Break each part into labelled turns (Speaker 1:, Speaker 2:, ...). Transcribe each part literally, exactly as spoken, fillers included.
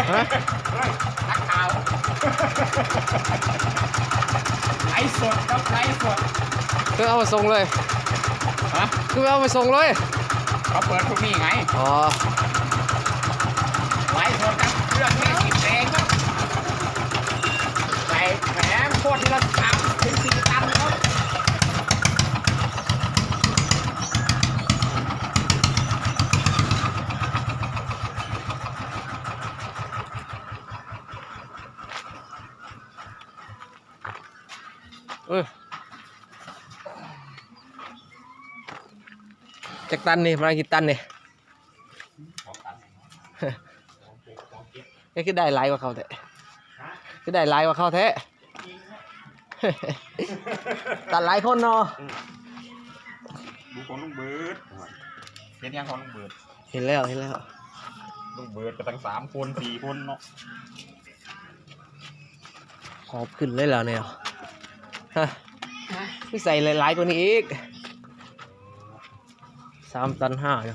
Speaker 1: ฮะ
Speaker 2: นักข่าวไลฟ์สดครับไลฟ์สด
Speaker 1: คือเอามาส่งเลย
Speaker 2: ฮะ
Speaker 1: คือเอามาส่งเลย
Speaker 2: เขาเปิดพวกนี้ไง
Speaker 1: อ๋อ
Speaker 2: ไลฟ์สดครับเครื่องนี้ติดเองครับใส่แหมโคตรที่เราทำถึงสี่ตันครับ
Speaker 1: เออจากตันนี่มากี่ตันนี่ก็คือได้หลายกว่าเขาแท้คือได้หลายกว่าเขาแท้ตัดหลายคนเนาะ
Speaker 2: ดูของลุงเบิร์ดเห็นยังของลุงเบิร์ด
Speaker 1: เห็นแล้วเห็นแล้ว
Speaker 2: ลุงเบิร์ดก็ตั้งสามคนสี่คนเนาะ
Speaker 1: หอบขึ้นเลยแล้วเนี่ยฮะพี่ใส่หลายๆกว่านี้อีกสามตันห้าอยู่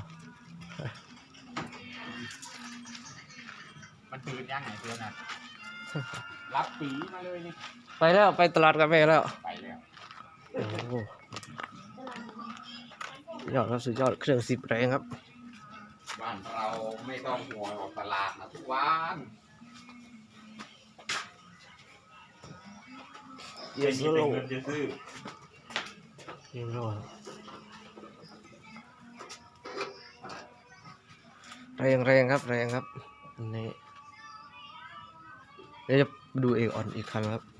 Speaker 2: มันปืนยังไงเพื่อนอ่ะรับปีมาเลยนี่
Speaker 1: ไปแล้วไปตลาดกันไปแล้ว
Speaker 2: ไปแล้ว
Speaker 1: โอ้โหยอดครับสุดยอดเครื่องสิบแรงครับ
Speaker 2: บ้านเราไม่ต้องห่วงออกตลาดนะทุกวัน
Speaker 1: เยอะสุดเลย
Speaker 2: จะซื้อ
Speaker 1: เยอะเลยแรงแรงครับแรงครับนี่เดี๋ยวจะดูเอกออนอีกครั้งครับ